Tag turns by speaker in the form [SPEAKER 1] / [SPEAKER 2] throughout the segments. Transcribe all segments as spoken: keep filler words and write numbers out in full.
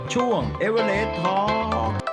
[SPEAKER 1] ช่วงเอเวอเรสต์ทอล์ก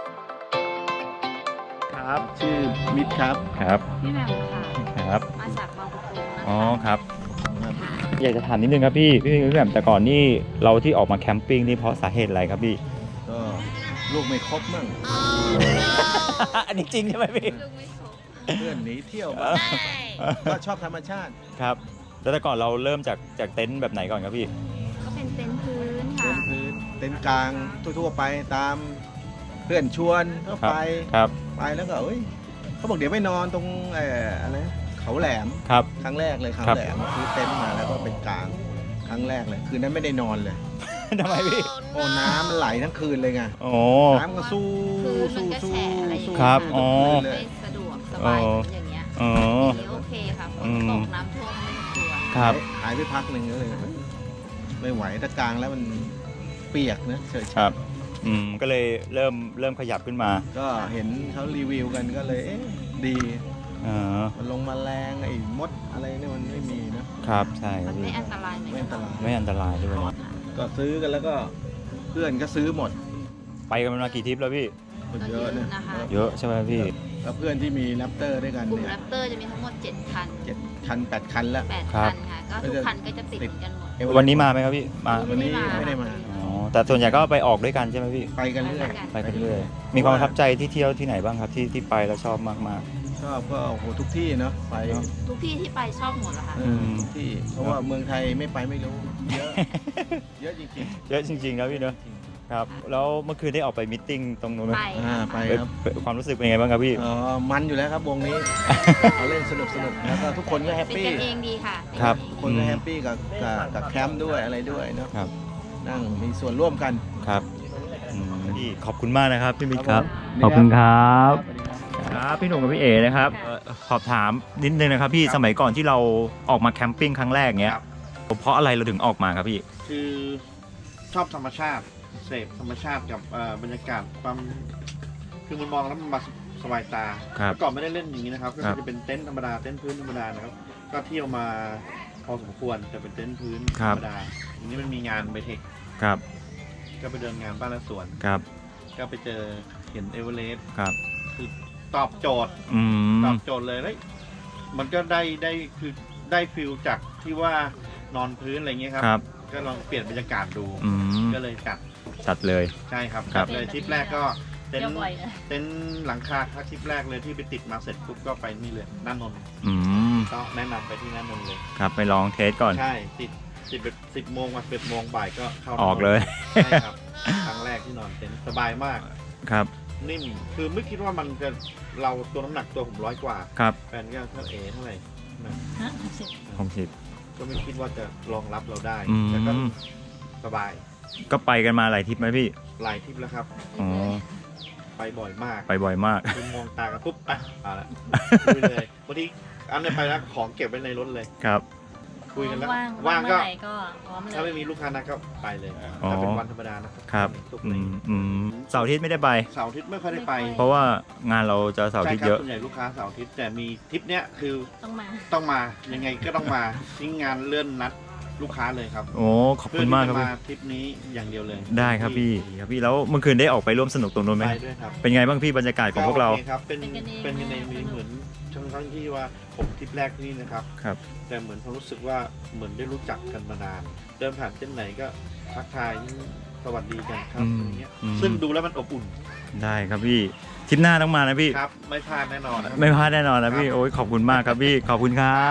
[SPEAKER 1] ครับชื่อมิตรครับครับ
[SPEAKER 2] พี่แหม่มค่ะ
[SPEAKER 1] ครับ
[SPEAKER 2] มาจากบางประกงนะคะ
[SPEAKER 1] อ๋อครับอยากจะถามนิดนึงครับพี่พี่พี่แหม่มแต่ก่อนนี่เราที่ออกมาแคมปิ้งนี่เพราะสาเหตุอะไรครับพี่
[SPEAKER 3] ก็ลูกไม่ครบมั่ง
[SPEAKER 1] อันนี้จริงใช่ไหมพี่
[SPEAKER 2] ลูกไม่ครบ
[SPEAKER 3] เพื่อนหนีเที่ยวบ้างก็ชอบธรรมชาติ
[SPEAKER 1] ครับแล้วแต่ก่อนเราเริ่มจากจากเต็นท์แบบไหนก่อนครับพี่
[SPEAKER 2] ก็เป็นเต็นท์พื้น
[SPEAKER 3] เต็
[SPEAKER 2] ค่ะ
[SPEAKER 3] นท์พื้นเต็นท์กลางทั่วๆไปตามเพื่อนชวนก็ไป
[SPEAKER 1] ครับ
[SPEAKER 3] ไปแล้วก็เอ้ยเขาบอกเดี๋ยวไปนอนตรงเอ่ออะไรนะเขาแหลม
[SPEAKER 1] ครับ
[SPEAKER 3] ครั้งแรกเลยเขา
[SPEAKER 1] ครับ
[SPEAKER 3] แหลมซื้อเต็นท์มาแล้วก็เป็นกลางครั้งแรกเลยคืนนั้นไม่ได้นอนเลย
[SPEAKER 1] ทำไมพี่
[SPEAKER 3] โอ้น้ำมันไหลทั้งคืนเลยไง
[SPEAKER 1] โอ้
[SPEAKER 3] น้ำก็สู้
[SPEAKER 2] พื้นมัน
[SPEAKER 3] สู้
[SPEAKER 2] ก็
[SPEAKER 3] สู้
[SPEAKER 2] แฉะอะไรอย่าง
[SPEAKER 3] สู้
[SPEAKER 2] เงี้ย
[SPEAKER 1] ครับ
[SPEAKER 3] ทั้ง
[SPEAKER 1] อ๋อ
[SPEAKER 3] คืนเลย
[SPEAKER 2] ไม่สะดวกสบายอย่างเงี้ย
[SPEAKER 1] อ๋อ
[SPEAKER 2] อย่างนี้โอเคค่ะฝนตกน้ำท่วมไม่ต้องกลัว
[SPEAKER 1] ครับ
[SPEAKER 3] หายไปพักหนึ่งก็เลย ไม่ไหวถ้ากลางแล้วมันเปียกนะเฉย
[SPEAKER 1] ครับอืมก็เลยเริ่มเริ่มขยับขึ้นมา
[SPEAKER 3] ๆก็เห็นเขารีวิวกันก็เลยเอ๊ะดี
[SPEAKER 1] อ๋อ
[SPEAKER 3] มันลงมาแรงไอ้มดอะไรเนี่ยมันไม่มีนะครับ
[SPEAKER 1] ใช่ค
[SPEAKER 2] มั
[SPEAKER 1] รับ
[SPEAKER 2] นไม่
[SPEAKER 1] พี่
[SPEAKER 2] อันตรายเหมือน
[SPEAKER 3] ไม่
[SPEAKER 2] กั
[SPEAKER 3] อั
[SPEAKER 2] น
[SPEAKER 3] นตราย
[SPEAKER 1] ไม่อันตรายด้วย
[SPEAKER 3] ก็ซื้อกันแล้วก็เพื่อนก็ซื้อหมด
[SPEAKER 1] ไปกันมากี่ทริปแล้วพี่
[SPEAKER 3] คนเยอะนะ
[SPEAKER 2] นะคะ
[SPEAKER 1] เยอะใช่ไหมพี่
[SPEAKER 3] แล้วเพื่อนที่มีแรปเตอร์ด้วยกัน
[SPEAKER 2] กลุ่ม
[SPEAKER 3] เนี่ย
[SPEAKER 2] แรปเตอร์จะมีทั้งหมดเจ็ดคัน
[SPEAKER 3] เจ็ดคันแปดคันแล้ว
[SPEAKER 2] แปด
[SPEAKER 1] ครั
[SPEAKER 2] คั
[SPEAKER 1] บ
[SPEAKER 2] นค่ะก็ทุกคันก็จะติดกันหมด
[SPEAKER 3] เอเวอเรสต์
[SPEAKER 1] วันนี้มาไหมครับพี่มา
[SPEAKER 3] วันนี้ไม่ได้มา
[SPEAKER 1] อ๋อแต่ส่วนใหญ่ก็ไปออกด้วยกันใช่ไหมพี่
[SPEAKER 3] ไปกันเรื่อย
[SPEAKER 1] ไปกันเรื่อยมีความประทับใจที่เที่ยวที่ไหนบ้างครับที่ที่ไปแล้วชอบมาก
[SPEAKER 3] ชอบก็โอ้โหทุกที่เนาะไป
[SPEAKER 1] เนอะ
[SPEAKER 2] ทุกที่ที่ไปชอบหมดเหรอคะ
[SPEAKER 3] เออทุกที่เพราะว่าเมืองไทยไม่ไปไม่รู้เยอะ เยอะจริง
[SPEAKER 1] ๆ เยอะจริงๆนะพี่เนอะครับแล้วเมื่อคืนได้ออกไปมิทติ้งตรงนู้นไหม
[SPEAKER 2] ไป
[SPEAKER 3] ๆอ่าไป
[SPEAKER 1] เอ้ย
[SPEAKER 3] ครับ
[SPEAKER 1] ความรู้สึกเป็นไงบ้างครับพี่
[SPEAKER 3] เออมันอยู่แล้วครับวงนี้ เขาเล่นสนุกสนุกแล้วก็ทุกคนก็แฮป
[SPEAKER 2] เป็น
[SPEAKER 3] ปี้
[SPEAKER 2] กันเองดีค่ะเป็น
[SPEAKER 1] ครับ
[SPEAKER 2] กันเอง
[SPEAKER 3] คนก็แฮปปี้กับกับกับแคมป์ด้วยอะไรด้วยเนาะ
[SPEAKER 1] ครับ
[SPEAKER 3] นั่งมีส่วนร่วมกัน
[SPEAKER 1] ครับอืมพี่ขอบคุณมากนะครับพี่มิตรครับ
[SPEAKER 3] ขอบคุณครับ
[SPEAKER 1] ครับพี่หนุ่มกับพี่เอนะครับเอ่อสอบถามนิดนึงนะครับพี่สมัยก่อนที่เราออกมาแคมปิ้งครั้งแรกเนี้ยเพราะอะไรเราถึงออกมาครับพี่
[SPEAKER 4] คือชอบธรรมชาติเสพธรรมชาติกับเอ่อบรรยากาศความคือมันมองแล้วมันมาสบายตา
[SPEAKER 1] ครับ
[SPEAKER 4] เมื่อก่อนไม่ได้เล่นอย่างนี้นะครับก็
[SPEAKER 1] ครับ
[SPEAKER 4] จะเป็นเต็นท์ธรรมดาเต็นท์พื้นธรรมดานะครับก็เที่ยวมาพอสมควรแต่เป็นเต็นท์พื้นธรรมดาอันนี้มันมีงานไบเทค
[SPEAKER 1] ครับ
[SPEAKER 4] ก็ไปเดินงานบ้านและสวน
[SPEAKER 1] ครับ
[SPEAKER 4] ก็ไปเจอเห็นเอเวอเรสต์
[SPEAKER 1] ครับ
[SPEAKER 4] คือตอบโจทย์
[SPEAKER 1] อืม
[SPEAKER 4] ตอบโจทย์เลยแล้วมันก็ได้ได้คือได้ฟิลจากที่ว่านอนพื้นอะไรเงี้ยครับ
[SPEAKER 1] ครับ
[SPEAKER 4] ก็ลองเปลี่ยนบรรยากาศดู
[SPEAKER 1] อืม
[SPEAKER 4] ก็เลยจัด
[SPEAKER 1] จัดเลย
[SPEAKER 4] ใช่ครับ
[SPEAKER 1] ครับ
[SPEAKER 4] จัดเลยทริปแรกก็เต็น
[SPEAKER 2] เที่ยว
[SPEAKER 4] ท์
[SPEAKER 2] บ่อยนะ
[SPEAKER 4] เต็นท์หลังคาครับทริปแรกเลยที่ไปติดมาเสร็จปุ๊บก็ไปนี่เลยน่านนท์
[SPEAKER 1] อืม
[SPEAKER 4] ก็แนะนำไปที่น่านนท์เลย
[SPEAKER 1] ครับไปลองเทสก่อน
[SPEAKER 4] ใช่ติดติดสิบโมงมาสิบโมงบ่ายก็เข้า
[SPEAKER 1] ออกเลย
[SPEAKER 4] ใช่ครับ ครั้งแรกที่นอนเต็นท์สบายมาก
[SPEAKER 1] ครับ
[SPEAKER 4] นิ่มคือไม่คิดว่ามันจะเราตัวน้ำหนักตัวผมร้อยกว่า
[SPEAKER 1] ครับ
[SPEAKER 4] แฟนก็เท่าเอเท่าไหร่นะ
[SPEAKER 1] หกสิบ
[SPEAKER 4] ก็ไม่คิดว่าจะรองรับเราได้
[SPEAKER 1] อืม
[SPEAKER 4] แต่ก็สบาย
[SPEAKER 1] ก็ไปกันมาหลายทริปไหมพี่
[SPEAKER 4] หลายทริปแล้วครับ
[SPEAKER 1] อ๋อ
[SPEAKER 4] ไปบ่อยมาก
[SPEAKER 1] ไปบ่อยมาก
[SPEAKER 4] คือมองตากันปุ๊บอ่ะเอาละคุยเลยบางทีอันนี้ไปแล้วของเก็บไว้ในรถเลย
[SPEAKER 1] ครับ
[SPEAKER 4] คุยกันแล้ว
[SPEAKER 2] ว่าง
[SPEAKER 4] ว่างก็
[SPEAKER 2] เมื่อไหร่ก็พร้อมเลย
[SPEAKER 4] ถ้าไม่มีลูกค้านัดก็ไปเลย
[SPEAKER 1] อ๋อ
[SPEAKER 4] ถ้าเป็นวันธรรมดานะค
[SPEAKER 1] ครั
[SPEAKER 4] รับ ทุก
[SPEAKER 1] อื
[SPEAKER 4] นี้
[SPEAKER 1] มอืมเสาร์อาทิตย์ไม่ได้ไป
[SPEAKER 4] เสาร์อาทิตย์ไม่ค่อยได้ไป
[SPEAKER 1] เพราะว่างานเราจะเสาร์อาทิตย์เยอะ
[SPEAKER 4] ส่วนใหญ่ลูกค้าเสาร์อาทิตย์แต่มีทริปเนี้ยคือ
[SPEAKER 2] ต้องมา
[SPEAKER 4] ต้องมายังไงก็ต้องมาทิ้งงานเลื่อนนัดลูกค้าเลยครับ
[SPEAKER 1] โอ้ขอบคุณมากครับ
[SPEAKER 4] เพื่อ
[SPEAKER 1] พี่
[SPEAKER 4] ที่จะมาทริปนี้อย่างเดียวเลย
[SPEAKER 1] ได้ครับพี่ครับพี่แล้วเมื่อคืนได้ออกไปร่วมสนุกตรงนู้นไหม
[SPEAKER 4] ไปด้วยครับ
[SPEAKER 1] เป็นไงบ้างพี่บรรยากาศของพวกเรา
[SPEAKER 4] โอคครับเป็น
[SPEAKER 2] เป็นกันเอง
[SPEAKER 4] เป็นกันเองมีเหมือนทั้งทั้งที่ว่าผมทริปแรกที่นี่นะครับ
[SPEAKER 1] ครับ
[SPEAKER 4] แต่เหมือนความรู้สึกว่าเหมือนได้รู้จักกันมานาน เดินผ่านเส้นไหนก็ทักทายสวัสดีกันครับ
[SPEAKER 1] อืม
[SPEAKER 4] อย่างเงี้ย
[SPEAKER 1] อืม
[SPEAKER 4] ซึ่งดูแล้วมันอบอุ่น
[SPEAKER 1] ได้ครับพี่ทริปหน้าต้องมานะพี่
[SPEAKER 4] ครับ ไม่พลาดแน่นอนนะ
[SPEAKER 1] ไม่พลาดแน่นอนนะพี่โอ้ยขอบคุณมากครับพี่ขอบคุณครับ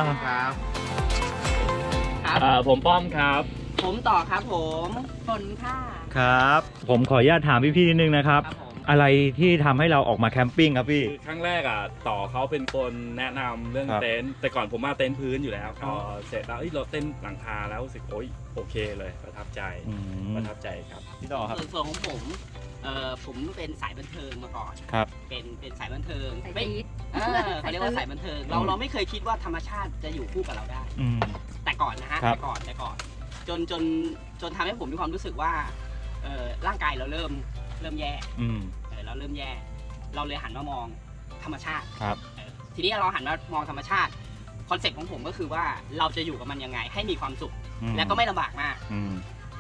[SPEAKER 4] ครับ
[SPEAKER 5] ครับ
[SPEAKER 1] อ่าผมป้อมครับ
[SPEAKER 5] ผมต่อครับผมฝนค่ะ
[SPEAKER 1] ครับ ผมขออนุญาตถามพี่ๆนิดนึงนะครับ
[SPEAKER 5] ครับผม
[SPEAKER 1] อะไรที่ทำให้เราออกมาแคมปิ้งครับพี่
[SPEAKER 6] คือครั้งแรกอ่ะต่อเขาเป็นคนแนะนำเรื่อง
[SPEAKER 1] ครับ
[SPEAKER 6] เต็นท์แต่ก่อนผมมาเต็นท์พื้นอยู่แล้วพ
[SPEAKER 1] อ๋
[SPEAKER 6] อ
[SPEAKER 1] อ
[SPEAKER 6] เสร็จแล้วเอ้ยเราเต็นท์หลังคาแล้วรู้สึกโอ๊ยโอเคเลยประทับใจ
[SPEAKER 1] อืม
[SPEAKER 6] ประทับใจครับ
[SPEAKER 1] พี่ต่อครับ
[SPEAKER 5] ส่วนส่วนของผมเอ่อผมเป็นสายบันเทิงมาก่อน
[SPEAKER 1] ครับ
[SPEAKER 5] เป็นเป็นสายบันเทิง
[SPEAKER 2] สาย
[SPEAKER 5] ไม่
[SPEAKER 2] จี๊ด
[SPEAKER 5] เออเขาเรียกว่าสายบันเทิง เราเราไม่เคยคิดว่าธรรมชาติจะอยู่คู่กับเราได้
[SPEAKER 1] อืม
[SPEAKER 5] แต่ก่อนนะฮะ
[SPEAKER 1] ครับ
[SPEAKER 5] แต่ก่อนแต่ก่อน จนจนจนทำให้ผมมีความรู้สึกว่าเอ่อร่างกายเราเริ่มเริ่มแย่
[SPEAKER 1] อืม
[SPEAKER 5] เออเราเริ่มแย่ เราเลยหันมามองธรรมชาติ
[SPEAKER 1] ครับ
[SPEAKER 5] เออทีนี้เราหันมามองธรรมชาติคอนเซ็ปต์ของผมก็คือว่าเราจะอยู่กับมันยังไงให้มีความสุข
[SPEAKER 1] อืม
[SPEAKER 5] และก็ไม่ลำบากมาก
[SPEAKER 1] อืม
[SPEAKER 5] อัน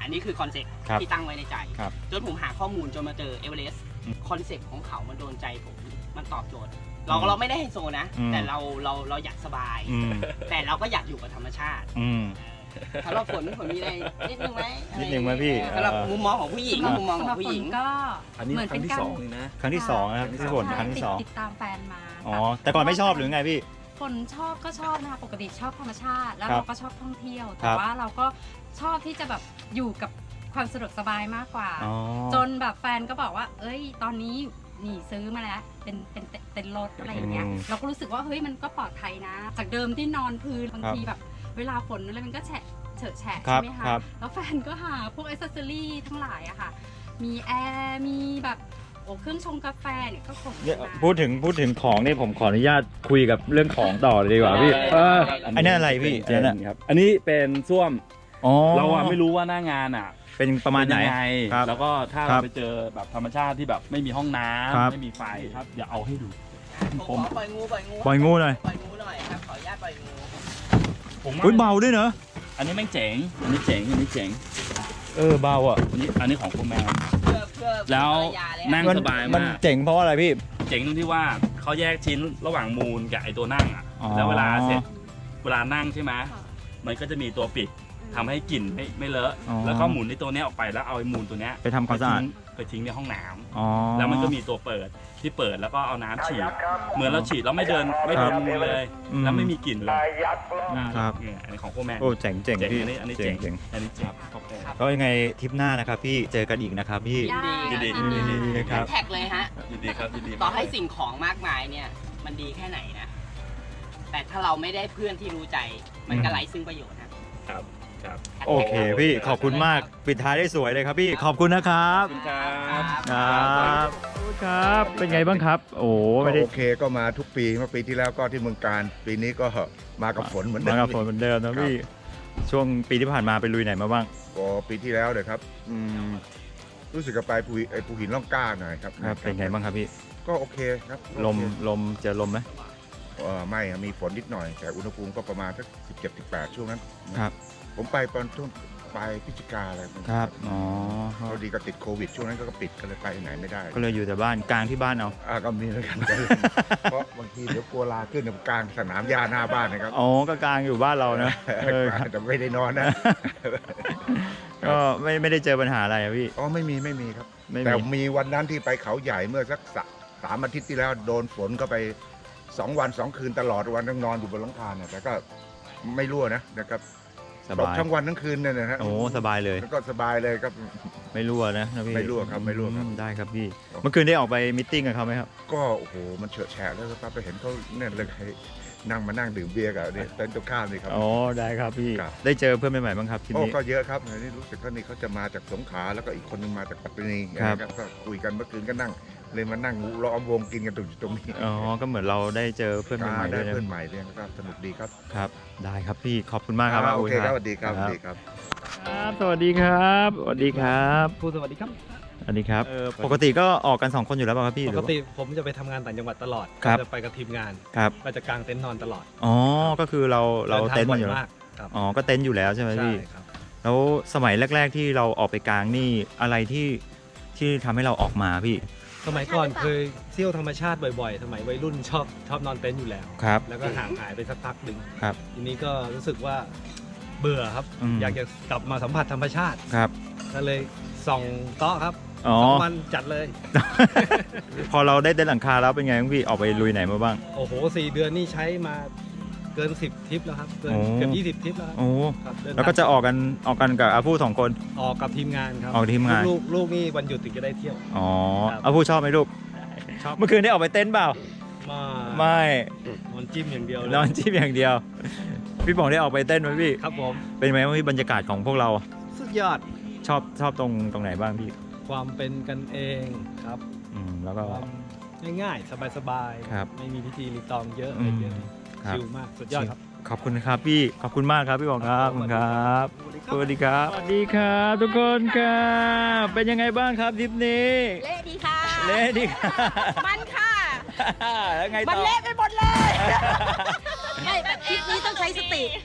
[SPEAKER 5] อันนี้คือคอนเซ็ปต์
[SPEAKER 1] ครับ
[SPEAKER 5] ที่ตั้งไว้ในใจ
[SPEAKER 1] ครับ
[SPEAKER 5] จนผมหาข้อมูลจนมาเจอเอเวอเรสต์
[SPEAKER 1] อืม
[SPEAKER 5] คอนเซ็ปต์ของเขามันโดนใจผมมันตอบโจทย์ เราเราไม่ได้ไฮโซนะ
[SPEAKER 1] อืม
[SPEAKER 5] แต่เราเราเราอยากสบาย
[SPEAKER 1] อืม
[SPEAKER 5] แต่เราก็อยากอยู่กับธรรมชาติ
[SPEAKER 1] อืม
[SPEAKER 5] สำหรับฝนฝนมีอะไรนิดนึงไหม
[SPEAKER 1] นิดนึงไหมพี่
[SPEAKER 5] สำหรับ
[SPEAKER 1] เอ่อ
[SPEAKER 5] มุมมองของผู้หญิง
[SPEAKER 2] สำหรับ
[SPEAKER 5] มุมมองของผู้หญิง
[SPEAKER 2] สำรับฝนก็
[SPEAKER 7] อันนี้
[SPEAKER 2] เหมือน
[SPEAKER 7] ครั้
[SPEAKER 2] เป็
[SPEAKER 7] ง
[SPEAKER 2] น
[SPEAKER 7] ที่
[SPEAKER 2] การ
[SPEAKER 7] สองเลยนะ
[SPEAKER 1] ครั้งที่สองนะครับพี่ฝนครั้งที่สอง
[SPEAKER 2] ติดตามแฟนมา
[SPEAKER 1] อ๋อแต่ก่อนไม่ชอบหรือไงพี่
[SPEAKER 2] ฝนชอบก็ชอบนะคะปกติชอบธรรมชาติ แล้ว
[SPEAKER 1] ครับ
[SPEAKER 2] เราก็ชอบท่องเที่ยว
[SPEAKER 1] ค
[SPEAKER 2] แต่
[SPEAKER 1] รับ
[SPEAKER 2] ว่าเราก็ชอบที่จะแบบอยู่กับความสะดวกสบายมากกว่า
[SPEAKER 1] อ๋อ
[SPEAKER 2] จนแบบแฟนก็บอกว่า เอ้ย ตอนนี้นี่ซื้อมาแล้ว เป็นเป็นเต็นท์รถอะไรอย่างเงี้ย
[SPEAKER 1] อืม
[SPEAKER 2] เราก็รู้สึกว่าเฮ้ยมันก็ปลอดภัยนะ จากเดิมที่นอนพื้นบาง
[SPEAKER 1] ครับ
[SPEAKER 2] ทีแบบ เวลาฝนอะไรมันก็แฉะเฉอะแฉะ
[SPEAKER 1] ครั
[SPEAKER 2] ใช่
[SPEAKER 1] บ
[SPEAKER 2] ไหมคะ
[SPEAKER 1] ครับ
[SPEAKER 2] แล้วแฟนก็หาพวกอิสเซอรี่ทั้งหลายอะค่ะ มีแอร์ มีแบบโอ้เครื่องชงกาแฟเนี่ยก็คง
[SPEAKER 1] เนี่ย
[SPEAKER 2] มา
[SPEAKER 1] พูดถึงพูดถึงของนี่ผมขออนุญาตคุยกับเรื่องของต่อเลยดีกว่าพี่เอออันนี้อะไรพี่
[SPEAKER 6] เจ
[SPEAKER 1] อัน
[SPEAKER 6] น
[SPEAKER 1] นั้น
[SPEAKER 6] ครับ อันนี้เป็นส้วม
[SPEAKER 1] อ๋อ
[SPEAKER 6] เราอะไม่รู้ว่าหน้างานอะ
[SPEAKER 1] เป็นประมาณไหน
[SPEAKER 6] เป็นยังไง
[SPEAKER 1] ครับ
[SPEAKER 6] แล้วก็ถ้า
[SPEAKER 1] ครั
[SPEAKER 6] เรา
[SPEAKER 1] บ
[SPEAKER 6] ไปเจอแบบธรรมชาติที่แบบไม่มีห้องน้
[SPEAKER 1] ครับ
[SPEAKER 6] ำไม่มีไฟครับเดี๋ยวเอาให้ดู
[SPEAKER 5] ผมขอปล่อยงูปล่อยงู
[SPEAKER 1] ปล่อยงูหน่อย
[SPEAKER 5] ปล่อยงูหน่อยครับขออนุญาตปล่อยงู
[SPEAKER 6] ผมว่า
[SPEAKER 1] อุ้ยเบาด้วยเนอะ
[SPEAKER 6] อันนี้แม่งเจ๋ง อันนี้เจ๋ง อันนี้เจ๋ง
[SPEAKER 1] เออเบาอ่ะ
[SPEAKER 6] อันนี้อันนี้ของคุณแมว
[SPEAKER 5] เพื่อเพื่อ
[SPEAKER 6] แล้ว
[SPEAKER 5] ภรรยาเลย
[SPEAKER 6] นั่ง
[SPEAKER 5] ฮะ
[SPEAKER 6] สบาย
[SPEAKER 1] มัน
[SPEAKER 6] มาก
[SPEAKER 1] เจ๋งเพราะว่าอะไรพี่
[SPEAKER 6] เจ๋งตรงที่ว่าเขาแยกชิ้นระหว่างมูลกับไอตัวนั่งอ่ะ
[SPEAKER 1] อ๋อ
[SPEAKER 6] แล้วเวลาเสร็จเวลานั่งใช่ไหมมันก็จะมีตัวปิดทำให้กลิ่นไม่ไม่เลอะ
[SPEAKER 1] อ๋อ
[SPEAKER 6] แล้วก็หมุนในตัวเนี้ยออกไปแล้วเอาไอ้มูลตัวเนี้ย
[SPEAKER 1] ไปทำความสะอาด
[SPEAKER 6] ไปทิ้งไปทิ้งในห้องน้ำ
[SPEAKER 1] อ๋อ
[SPEAKER 6] แล้วมันก็มีตัวเปิดที่เปิดแล้วก็เอาน้ำฉีด เหมือนเราฉีดแล้วไม่เดินไม่โดนมือเลย
[SPEAKER 1] อืม
[SPEAKER 6] แล้วไม่มีกลิ่นเลย
[SPEAKER 1] ครับ
[SPEAKER 6] เนี่ยอันนี้ของพวกแม่
[SPEAKER 1] โอ้เจ๋งเจ๋ง
[SPEAKER 6] เจ๋ง
[SPEAKER 1] พี่
[SPEAKER 6] อันนี้อันนี้
[SPEAKER 1] เจ๋
[SPEAKER 6] เจ๋
[SPEAKER 1] ง
[SPEAKER 6] ง
[SPEAKER 1] เจ๋ง
[SPEAKER 6] อันนี้เจ๋งขอบคุณ
[SPEAKER 1] ก็ยังไงทริปหน้านะครับพี่เจอกันอีกนะครับพี่
[SPEAKER 5] ยินดี
[SPEAKER 6] ยินดี
[SPEAKER 1] ยินดีครับ
[SPEAKER 5] แท็กเลยฮะ
[SPEAKER 6] ยินดีครับยินดี
[SPEAKER 5] ต่อให้สิ่งของมากมายเนี่ย มันดีแค่ไหนนะ แต่ถ้าเราไม่ได้เพื่อนที่รู้ใจ มันก็ไร้ซึ่งประโยชน์นะครับ
[SPEAKER 6] ครับ
[SPEAKER 1] โอเคพี่ขอบคุณมากปิดท้ายได้สวยเลยครับพี่ขอบคุณนะครับ
[SPEAKER 6] ขอบคุณครับ
[SPEAKER 1] ครับครับ เป็นไงบ้างครับ โอ้
[SPEAKER 8] ก็
[SPEAKER 1] ไม่ได้
[SPEAKER 8] โอเคก็มาทุกปีเมื่อปีที่แล้วก็ที่เมืองการ ปีนี้ก็มากับฝนเหมือนเดิ
[SPEAKER 1] มาม กับฝนเหมือนเดิมนะพี่ช่วงปีที่ผ่านมาไปลุยไหนมาบ้าง
[SPEAKER 8] ก็ปีที่แล้วเลยครับอืมรู้สึกกับไปภูไอ้ภูหินล่องกล้าหน่อยครับ
[SPEAKER 1] ครับเป็นไงบ้างครับพี่
[SPEAKER 8] ก็โอเคครับ
[SPEAKER 1] ลม
[SPEAKER 8] โอเค
[SPEAKER 1] ลมเจอลมไหม
[SPEAKER 8] เอ่อไม่ครับมีฝนนิดหน่อย แต่อุณหภูมิก็ประมาณสักสิบเจ็ดสิบแปดช่วงนั้นนะครับ ผมไปตอนช่วงปลายพฤศจิกาอะไรพวกนี้
[SPEAKER 1] ครับอ๋อ
[SPEAKER 8] พอดีก็ติดโควิดช่วงนั้นก็ปิดก็เลยไปไหนไม่ได้
[SPEAKER 1] ก็เลยอยู่แต่บ้านกลางที่บ้านเอา
[SPEAKER 8] อ่าก็มีแล้วกัน เพราะบางทีเดี๋ยวกลัวลาขึ้นกลางสนามหญ้าหน้าบ้านนะครับ
[SPEAKER 1] อ๋อก็กลางอยู่บ้านเรานะเออครับ
[SPEAKER 8] แต่ไม่ได้นอนนะ
[SPEAKER 1] ก็ไม่ไม่ได้เจอปัญหาอะไรอะพี่
[SPEAKER 8] อ๋อไม่มีไม่มีครับ
[SPEAKER 1] ไม่
[SPEAKER 8] แต่
[SPEAKER 1] มี
[SPEAKER 8] มีวันนั้นที่ไปเขาใหญ่เมื่อสักสะสามอาทิตย์ที่แล้วโดนฝนก็ไปสองวันสองคืนตลอดวันต้องนอนอยู่บนหลังคาเนี่ยแต่ก็ไม่รั่วนะนะครับ
[SPEAKER 1] ส
[SPEAKER 8] ตก
[SPEAKER 1] บาย
[SPEAKER 8] ทั้งวันทั้งคืนเนี่ยนะฮะ
[SPEAKER 1] โอ้สบายเลย
[SPEAKER 8] แล้วก็สบายเลยครับ
[SPEAKER 1] ไม่รั่วนะนะพี่
[SPEAKER 8] ไม่รั่วครับไม่รั่วครับ
[SPEAKER 1] อืได้ครับพี่เมื่อคืนได้ออกไปมิทติ้งกับเขาไหมครับ
[SPEAKER 8] ก็โอ้โหมันเฉอะแฉะแล้วครับไปเห็นเขาเนี่ยเลยนั่งมานั่งดื่มเบียร์กับเนี่ยเต็นท์ตรงข้ามนี่ครับ
[SPEAKER 1] อ๋อได้ครับพี่
[SPEAKER 8] ครับ
[SPEAKER 1] ได้เจอเพื่อนใหม่ๆบ้างครับที
[SPEAKER 8] โอ้
[SPEAKER 1] นี้
[SPEAKER 8] ก็เยอะครับนี่รู้สึกว่านี่เขาจะมาจากสงขลาแล้วก็อีกคนนึงมาจากปัตตานี
[SPEAKER 1] ครับ
[SPEAKER 8] นะครับก็คุยกันเมื่อคืนก็นั่งเลยมานั่งล้อมวงกินกันตรงตรงนี้
[SPEAKER 1] อ๋อก็เหมือนเราได้เจอเพื่อนใหม่ๆ
[SPEAKER 8] ได้
[SPEAKER 1] ด้วยนะ
[SPEAKER 8] เพื่อนใหม่เนี่ยก็สนุกดีครับ
[SPEAKER 1] ครับ ได้ครับพี่ขอบคุณมากครับ
[SPEAKER 8] อ่าโอเค
[SPEAKER 1] ณ
[SPEAKER 8] ครับสวัสดีครับสวัสดีครับ
[SPEAKER 1] ครับสวัสดีครับสวัสดีครับ
[SPEAKER 7] ครูสวัสดีครับ
[SPEAKER 1] สวัสดีครับ
[SPEAKER 7] เออ
[SPEAKER 1] ปกติก็ออกกันสองคนอยู่แล้วเปล่ะครับพี่
[SPEAKER 7] ป
[SPEAKER 1] หรื
[SPEAKER 7] ก
[SPEAKER 1] อว่า
[SPEAKER 7] ติผมจะไปทำงานต่างจังหวัดตลอด
[SPEAKER 1] ครับ
[SPEAKER 7] จะไปกับทีมงาน
[SPEAKER 1] ครับ
[SPEAKER 7] ก็จะกางเต็นท์นอนตลอด
[SPEAKER 1] อ๋อก็คือเราเรา
[SPEAKER 7] ดิทง
[SPEAKER 1] เต็นท์มันอยู่
[SPEAKER 7] บ่
[SPEAKER 1] แล้ว
[SPEAKER 7] มากครับ
[SPEAKER 1] อ๋อก็เต็นท์อยู่แล้วใช่ไหม
[SPEAKER 7] ใช่
[SPEAKER 1] พี่
[SPEAKER 7] ครับ
[SPEAKER 1] แล้วสมัยแรก ๆ ที่เราออกไปกลางนี่อะไรที่ที่ทำให้เราออกมาพี่
[SPEAKER 7] สมัยก่อนเคยเที่ยวธรรมชาติบ่อยๆ สมัยวัยรุ่นชอบชอบนอนเต็นท์อยู่แล้ว
[SPEAKER 1] ครับ
[SPEAKER 7] แล้วก็ห่างหายไปสักพักหนึ่ง
[SPEAKER 1] ครับ
[SPEAKER 7] ทีนี้ก็รู้สึกว่าเบื่อครับ
[SPEAKER 1] อืม
[SPEAKER 7] อยากจะกลับมาสัมผัสธรรมชาติ
[SPEAKER 1] ครับ
[SPEAKER 7] ก็เลยส่องโต๊ะครับ
[SPEAKER 1] อ๋อ
[SPEAKER 7] สองวันจัดเลย
[SPEAKER 1] พอเราได้เต็นท์หลังคาแล้วเป็นไงบ้างพี่ออกไปลุยไหนมาบ้าง
[SPEAKER 7] โอ้โหสี่เดือนนี่ใช้มาเกินสิบทริปแล้วครับเกิน
[SPEAKER 1] โอ้
[SPEAKER 7] เกือบยี่สิบทริปแล้วครับ
[SPEAKER 1] โอ้
[SPEAKER 7] ครับเดิน
[SPEAKER 1] แล้วก็จะออกกันออกกันกับอาผู้สองคน
[SPEAKER 7] ออกกับทีมงานครับ
[SPEAKER 1] ออกทีมงาน
[SPEAKER 7] ลูกลูกนี่วันหยุดถึงจะได้เที่ยว
[SPEAKER 1] อ๋อ
[SPEAKER 7] ครับ
[SPEAKER 1] อาผู้ชอบไหมลูก
[SPEAKER 7] ชอบ
[SPEAKER 1] เมื่อคืนได้ออกไปเต้นท์เปล่า
[SPEAKER 7] มา
[SPEAKER 1] ไม่
[SPEAKER 7] นอนจิ้มอย่างเดียวเลย
[SPEAKER 1] นอนจิ้มอย่างเดียว พี่ป๋องได้ออกไปเต้นไหมพี่
[SPEAKER 7] ครับผม
[SPEAKER 1] เป็นไหมว่าพี่บรรยากาศของพวกเรา
[SPEAKER 7] สุดยอด
[SPEAKER 1] ชอบชอบตรงตรงไหนบ้างพี่
[SPEAKER 7] ความเป็นกันเองครับ
[SPEAKER 1] อืมแล้วก็
[SPEAKER 7] ความง่ายๆ สบายๆ
[SPEAKER 1] ครับ
[SPEAKER 7] ไม่มีพิธีรีตองเยอะ
[SPEAKER 1] อื
[SPEAKER 7] อะไร
[SPEAKER 1] ม
[SPEAKER 7] เยอะ
[SPEAKER 1] ครับ
[SPEAKER 7] ชิลมากสุดยอดครับ
[SPEAKER 1] ขอบคุณครับพี่ขอบคุณมากครับพี่ป๋องครับขอบคุณครับสวัสดีครับสวัสดีครับทุกคนครับเป็นยังไงบ้างครับทริปนี้
[SPEAKER 2] เละดีค่ะ
[SPEAKER 1] เละดีค่ะ
[SPEAKER 2] มันค่ะ
[SPEAKER 1] แล้วไง
[SPEAKER 2] มัน
[SPEAKER 1] ต่อ
[SPEAKER 2] เละไปหมดเลยไม่แบบคลิปนี้ต้องใช้สติ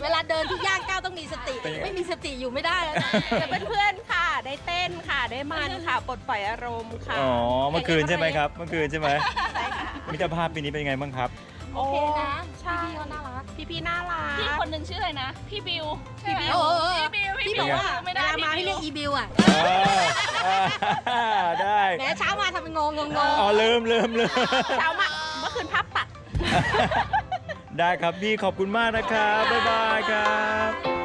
[SPEAKER 9] เวลาเดินทุกย่างก้าวต้องมีสติ
[SPEAKER 1] เป็นไง
[SPEAKER 9] ไม่มีสติอยู่ไม่ได้แล้วนะ
[SPEAKER 10] กับเพื่อนๆค่ะ ได้เต้นค่ะ ได้มันค่ะ ปลดปล่อยอารมณ์ค่ะ
[SPEAKER 1] อ๋อ เมื่อคืนใช่ไหมครับ เมื่อคืนใช่ไหม
[SPEAKER 10] ใช่ค่ะ
[SPEAKER 1] มิตรภาพปีนี้เป็นยังไงบ้างครับ
[SPEAKER 10] โอเคนะ
[SPEAKER 9] ใช่เขาน่ารัก
[SPEAKER 10] พี่ๆน่ารัก
[SPEAKER 11] พี่คนหนึ่งชื่ออะไรนะ พี่บิวใช่ไหม
[SPEAKER 9] โอ้โห
[SPEAKER 11] พี่บิว
[SPEAKER 9] ที่
[SPEAKER 11] พี่
[SPEAKER 9] บอกว่า
[SPEAKER 11] ไม่
[SPEAKER 9] เว
[SPEAKER 11] ได้
[SPEAKER 9] ลามาให้
[SPEAKER 11] พี่
[SPEAKER 9] เรี
[SPEAKER 11] บิ
[SPEAKER 9] ยว กอีบิวอ่ะ
[SPEAKER 1] อ่าได้
[SPEAKER 9] แหมเช้ามาทำเป็นงงงง
[SPEAKER 1] อ๋อลืมลืมลืม
[SPEAKER 10] เช้ามาเมื่อคืนภาพตัด
[SPEAKER 1] ได้ครับพี่ขอบคุณมากนะครับ บ๊ายบายครับ